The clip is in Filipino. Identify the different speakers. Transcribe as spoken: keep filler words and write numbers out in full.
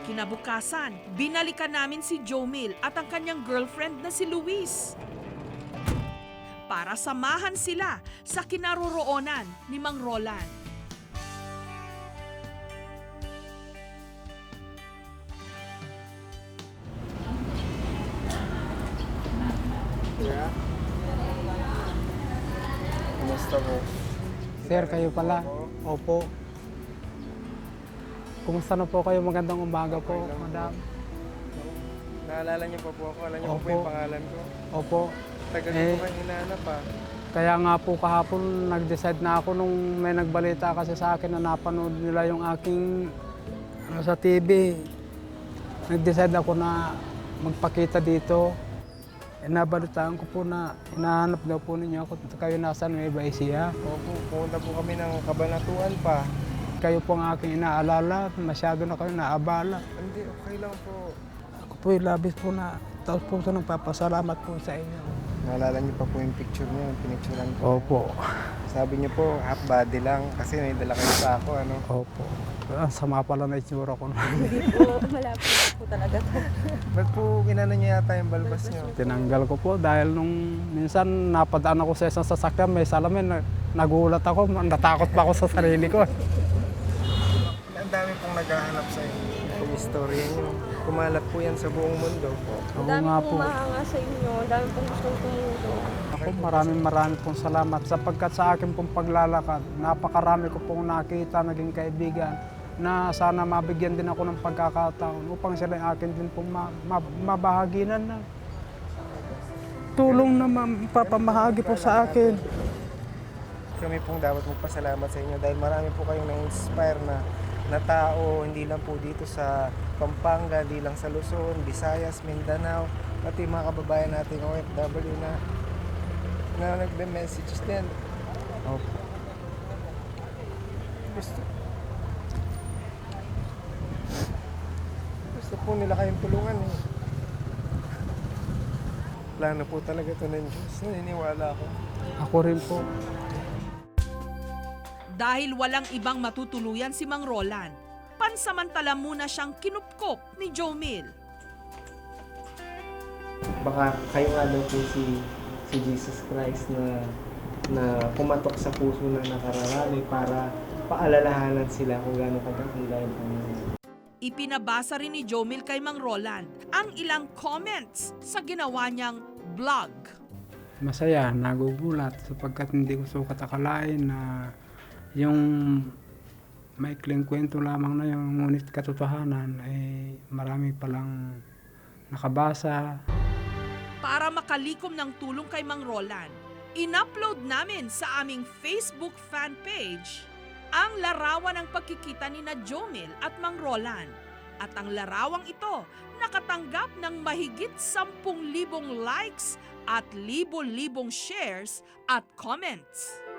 Speaker 1: Kinabukasan, binalikan namin si Jomil at ang kanyang girlfriend na si Luis para samahan sila sa kinaroroonan ni Mang Roland.
Speaker 2: Kuya? Kumusta po?
Speaker 3: Sir, kayo pala? Opo. Kumusta na po kayo? Magandang umaga po,
Speaker 2: Okay lang po.
Speaker 3: madam.
Speaker 2: Naalala niyo pa po ako? Alam niyo po
Speaker 3: Opo.
Speaker 2: po yung pangalan ko?
Speaker 3: Opo.
Speaker 2: Tagal
Speaker 3: Eh,
Speaker 2: ko kayo hinahanap pa.
Speaker 3: Kaya nga po kahapon nag-decide na ako nung may nagbalita kasi sa akin na napanood nila yung aking ano, sa T V. Nag-decide ako na magpakita dito. Eh, nabalitaan ko po na hinahanap daw po ninyo ako. Kayo nasa Nueva Ecija.
Speaker 2: Opo, pumunta po kami ng Kabanatuan pa.
Speaker 3: Kayo po ang aking inaalala. Masyado na kayo naabala.
Speaker 2: Hindi, okay lang po.
Speaker 3: Ako po yung labis po na taos po sa nagpapasalamat po sa inyo.
Speaker 2: Naalala niyo pa po yung picture niyo, yung pinicturean ko.
Speaker 3: Opo.
Speaker 2: Sabi niyo po, half body lang kasi may dala kayo sa ako, ano?
Speaker 3: Opo. Ang sama pala na itsura ko.
Speaker 4: Hindi po, malapit po talaga to.
Speaker 2: Ba't po kinano niyo yata yung balbas niyo?
Speaker 3: Tinanggal ko po dahil nung minsan napadaan ako sa isang sasakyan, may salamin, na- nagulat ako, natakot pa ako sa sarili ko.
Speaker 2: Ang dami pong naghahanap sa inyo. Yung istorya niyo. Kumalat po yan sa buong mundo.
Speaker 3: Ako
Speaker 4: Ang dami
Speaker 3: nga
Speaker 4: pong
Speaker 3: po.
Speaker 4: mahanga sa inyo, ang dami pong gustong tumulong.
Speaker 3: Ako maraming maraming pong salamat sapagkat sa akin pong paglalakad, napakarami ko pong nakita, naging kaibigan na sana mabigyan din ako ng pagkakataon upang sila yung akin din pong ma- ma- mabahaginan na tulong na mapapamahagi po sa akin.
Speaker 2: Kami pong dapat magpasalamat sa inyo dahil marami po kayong na-inspire na, na tao, hindi lang po dito sa Pampanga, hindi lang sa Luzon, Visayas, Mindanao, pati mga kababayan nating O F W na na nagbe-messages din.
Speaker 3: Opo.
Speaker 2: Gusto, gusto po nila kayong tulungan eh. Plano po talaga ito ng Diyos. Naniniwala ako.
Speaker 3: Ako rin po.
Speaker 1: Dahil walang ibang matutuluyan si Mang Roland, pansamantala muna siyang kinupkop ni Jomil.
Speaker 2: Baka kayo nga daw po si, si Jesus Christ na na pumatok sa puso ng nakararami para paalalahanan sila kung gaano kagandang Panginoon.
Speaker 1: Ipinabasa rin ni Jomil kay Mang Roland ang ilang comments sa ginawa niyang vlog.
Speaker 3: Masaya, nagugulat sapagkat hindi ko sukat akalain na yung maikling kwento lamang na yung ngunit katotohanan ay marami palang nakabasa.
Speaker 1: Para makalikom ng tulong kay Mang Roland, in-upload namin sa aming Facebook fan page ang larawan ng pagkikita ni na Jomil at Mang Roland. At ang larawang ito nakatanggap ng mahigit sampung libong likes at libo-libong shares at comments.